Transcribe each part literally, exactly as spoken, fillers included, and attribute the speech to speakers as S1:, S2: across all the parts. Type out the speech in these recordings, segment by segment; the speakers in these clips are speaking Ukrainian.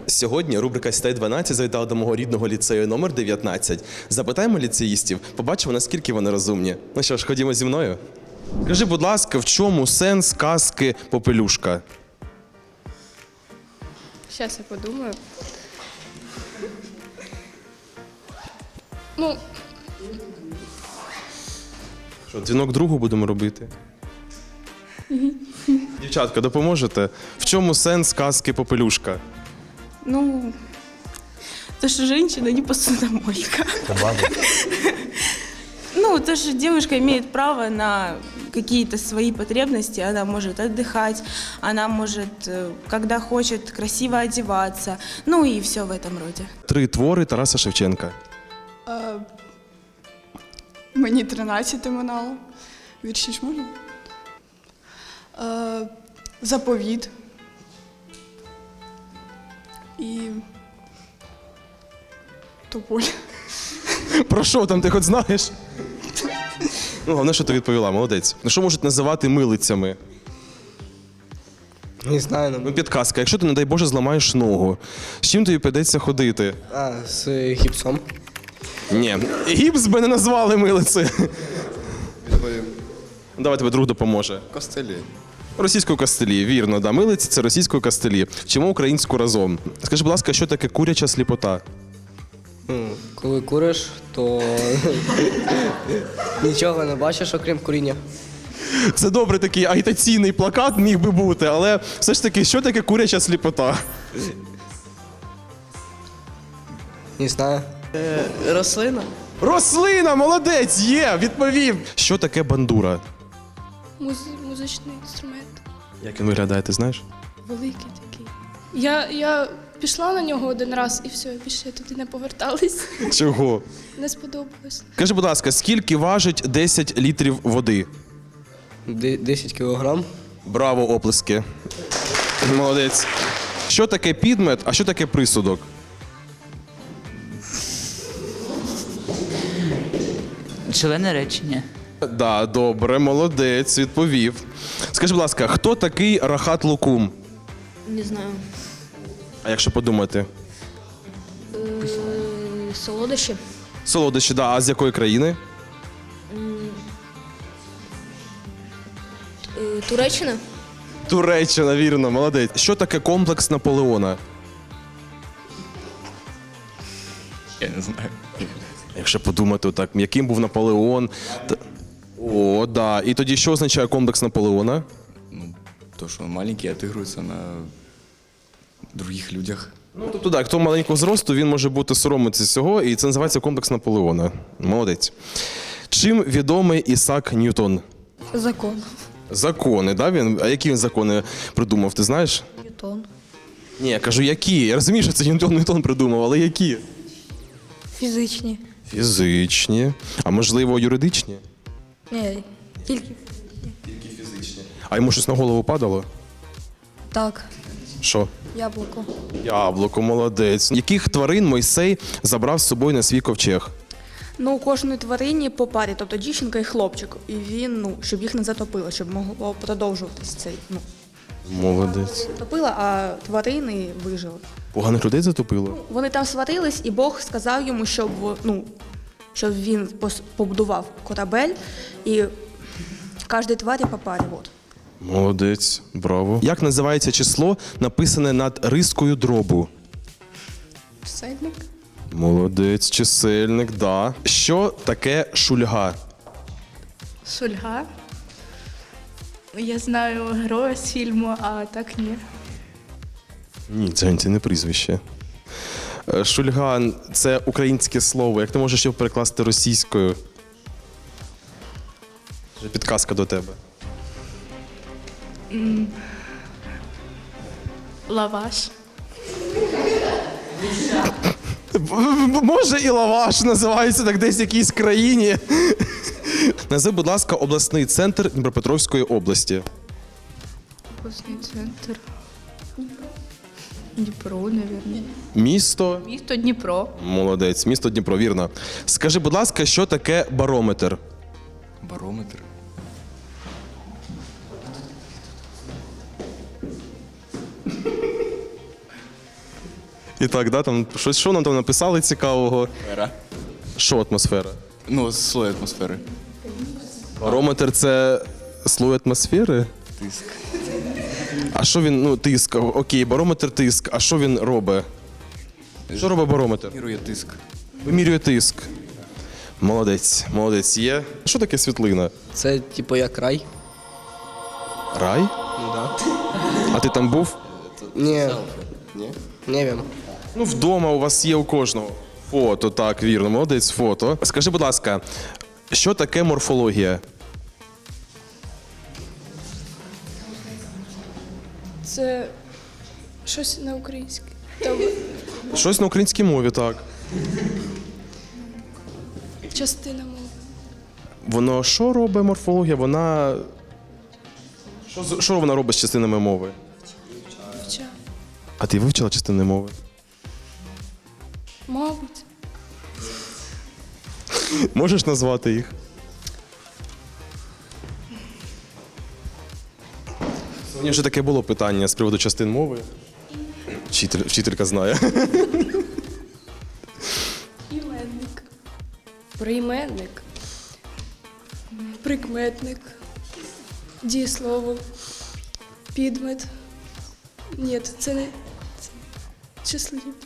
S1: Сьогодні рубрика «Сідай дванадцять» завітала до мого рідного ліцею номер дев'ятнадцять. Запитаємо ліцеїстів, побачимо, наскільки вони розумні. Ну що ж, ходімо зі мною. Скажи, будь ласка, в чому сенс казки «Попелюшка»?
S2: Сейчас я подумаю. Ну,
S1: Що, дзвінок другу будемо робити? Дівчатка, допоможете? В чому сенс казки «Попелюшка»?
S3: Ну, то, что женщина не посудомойка. Ну, то, что девушка имеет право на какие-то свои потребности, она может отдыхать, она может, э, когда хочет, красиво одеваться, ну и все в этом роде.
S1: Три твори Тараса Шевченка.
S4: Е, Мені тринадцяти минало. Вірші ж можна? Е, Заповіт. І Тополь.
S1: Про що там, ти хоч знаєш? Ну, головне, що ти відповіла, молодець. Ну, що можуть називати милицями?
S5: Не знаю,
S1: Ну,
S5: ну,
S1: підказка, якщо ти, не дай Боже, зламаєш ногу, з чим тобі прийдеться ходити?
S5: а, з гіпсом.
S1: Ні, гіпс би не назвали милиці.
S6: Відповім.
S1: Давай тебе друг допоможе.
S6: Костелі.
S1: Російською кастелі, вірно, да. Милиці – це російською кастелі. Вчимо українську разом. Скажи, будь ласка, що таке куряча сліпота?
S5: Ну, коли куриш, то нічого не бачиш, окрім куріння.
S1: Це добре, такий агітаційний плакат міг би бути, але все ж таки, що таке куряча сліпота?
S5: Не знаю.
S3: Рослина?
S1: Рослина, молодець, є, відповів. Що таке бандура?
S2: муз... музичний інструмент.
S1: Як він виглядає, ти знаєш?
S2: Великий такий. Я, я пішла на нього один раз і все, більше я туди не поверталась.
S1: Чого?
S2: Не сподобалось.
S1: Скажи, будь ласка, скільки важить десять літрів води?
S5: Де- десять кілограм.
S1: Браво, оплески. Молодець. Що таке підмет, а що таке присудок?
S7: Члени речення.
S1: Да, добре, молодець, відповів. Скажи, будь ласка, хто такий Рахат Лукум?
S8: Не знаю.
S1: А якщо подумати?
S8: Солодощі.
S1: Солодощі, да, а з якої країни?
S8: Е, Туреччина.
S1: Туреччина, вірно, молодець. Що таке комплекс Наполеона?
S6: Я не знаю.
S1: Якщо подумати, так, яким був Наполеон? Т- О, да. І тоді що означає комплекс Наполеона?
S6: Ну, то, что он маленький, отыгрывается на других людях.
S1: Ну, тобто, так, хто маленького зросту, він може бути соромитися цього, і це називається комплекс Наполеона. Молодець. Чим відомий Ісак Ньютон?
S8: Закон.
S1: Закони, да? Він, а які він закони придумав, ти знаєш?
S8: Ньютон.
S1: Ні, я кажу, які? Я розумію, що це Ньютон Ньютон придумав, але які?
S8: Фізичні.
S1: Фізичні. А можливо, юридичні?
S8: Ні, тільки
S1: А йому щось на голову падало?
S8: так.
S1: Що?
S8: Яблуко.
S1: Яблуко, молодець. Яких тварин Мойсей забрав з собою на свій ковчег?
S3: Ну, у кожної тварині по парі, тобто дівчинка і хлопчик. І він, ну, щоб їх не затопило, щоб могло продовжуватись цей, ну,
S1: Молодець.
S3: топило, а тварини вижили.
S1: Поганих людей затопило?
S3: Вони там сварились, і Бог сказав йому, щоб, ну, щоб він пос- побудував корабель, і кожній тварі по парі. От.
S1: Молодець, браво. Як називається число, написане над рискою дробу?
S4: Чисельник.
S1: Молодець, чисельник, да. Що таке шульга?
S9: Шульга. Я знаю героя з фільму, а так ні.
S1: Ні, це, це не прізвище. Е, Шульга – це українське слово. Як ти можеш його перекласти російською? Вже підказка до тебе.
S9: Лаваш.
S1: Може і лаваш називається так десь в якійсь країні. Назви, будь ласка, обласний центр Дніпропетровської області.
S9: Обласний центр. Дніпро, мабуть.
S1: Місто.
S9: Місто Дніпро.
S1: Молодець, місто Дніпро, вірно. Скажи, будь ласка, що таке барометр?
S6: Барометр.
S1: І так, да, там щось, що нам там написали цікавого?
S6: Атмосфера.
S1: Що атмосфера?
S6: Ну, слой атмосфери.
S1: Барометр це слой атмосфери?
S6: Тиск.
S1: А що він, ну, тиск, окей, барометр тиск, а що він робить? Що робить барометр?
S6: Мірує тиск.
S1: Вимірює тиск. Молодець, молодець є. Що таке світлина?
S5: Це типу як рай.
S1: Рай?
S5: Ну да.
S1: А ти там був?
S5: Ні. Ні? Не wiem.
S1: Ну, вдома у вас є у кожного. Фото, так, вірно, молодець, фото. Скажи, будь ласка, що таке морфологія?
S2: Це щось на українське. Там
S1: Щось на українській мові, так.
S2: частина мови.
S1: Воно що робить морфологія? Вона. Що, з- що вона робить з частинами мови?
S2: Вча.
S1: А ти вивчила частини мови?
S2: Мабуть.
S1: Можеш назвати їх? Сьогодні вже таке було питання з приводу частин мови. Вчитель, вчителька знає.
S2: Іменник. Прийменник. Прикметник. Дієслово. Підмет. Ні, це не. Це числівник.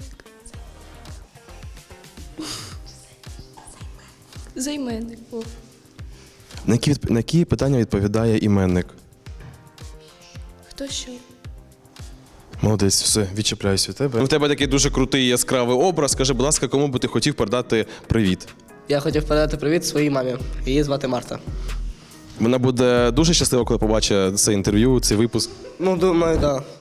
S2: Займенник. О.
S1: На які, відп- на які питання відповідає іменник?
S2: Хто що?
S1: Молодець, все, відчепляюсь від тебе. У тебе такий дуже крутий яскравий образ. Скажи, будь ласка, кому би ти хотів передати привіт?
S5: Я хотів передати привіт своїй мамі. Її звати Марта.
S1: Вона буде дуже щаслива, коли побачить це інтерв'ю, цей випуск.
S5: Ну, думаю, так. Да.